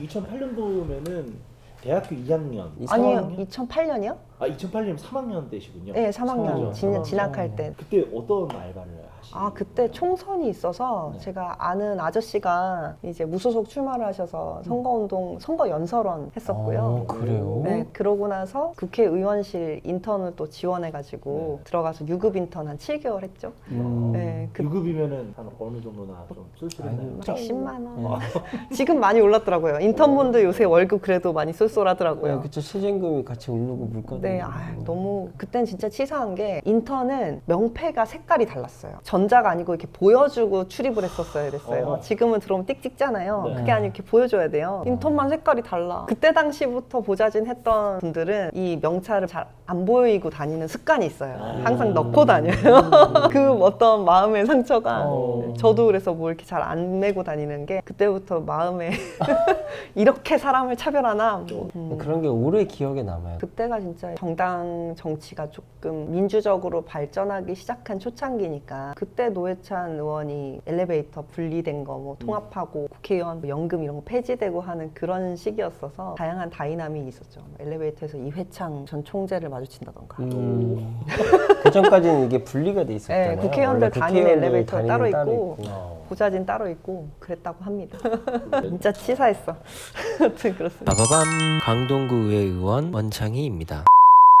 2008년도면은 대학교 2학년. 아니요, 2008년이요? 아 2008년 3학년 때시군요. 네, 3학년 3학년. 진학할 때. 그때 어떤 알바를 하시나요? 아, 그때 총선이 있어서 네. 제가 아는 아저씨가 이제 무소속 출마를 하셔서 선거운동, 선거연설원 했었고요. 그래요? 네, 그러고 나서 국회의원실 인턴을 또 지원해가지고 네. 들어가서 유급 인턴 한 7개월 했죠. 네, 그 유급이면은 한 어느 정도나 좀 쏠쏠했나요? 110만 원. 지금 많이 올랐더라고요. 인턴분들 요새 월급 그래도 많이 쏠쏠하더라고요. 그쵸. 시즌금이 같이 오르고 물가도 네, 오르고. 너무 그땐 진짜 치사한 게 인턴은 명패가 색깔이 달랐어요. 전자가 아니고 이렇게 보여주고 출입을 했었어야 됐어요. 지금은 들어오면 띡 찍잖아요. 네. 그게 아니고 이렇게 보여줘야 돼요. 인턴만 색깔이 달라. 그때 당시부터 보자진 했던 분들은 이 명찰을 잘 안 보이고 다니는 습관이 있어요. 항상 넣고 다녀요. 그 어떤 마음의 상처가 저도 그래서 뭐 이렇게 잘 안 메고 다니는 게 그때부터 마음에 이렇게 사람을 차별하나 뭐. 그런 게 오래 기억에 남아요. 그때가 진짜 정당 정치가 조금 민주적으로 발전하기 시작한 초창기니까 그때 노회찬 의원이 엘리베이터 분리된 거 뭐 통합하고 국회의원 뭐 연금 이런 거 폐지되고 하는 그런 시기였어서 다양한 다이나믹이 있었죠. 엘리베이터에서 이회창 전 총재를 마주친다던가. 그 전까지는 이게 분리가 돼 있었잖아요. 네, 국회의원들 원래 다니는 국회의원들 엘리베이터 다니는 따로 따로 있고 보좌진 따로 있고 그랬다고 합니다. 진짜 치사했어. 아무튼 그렇습니다. 빠바밤 강동구 의회 의원 원창희입니다.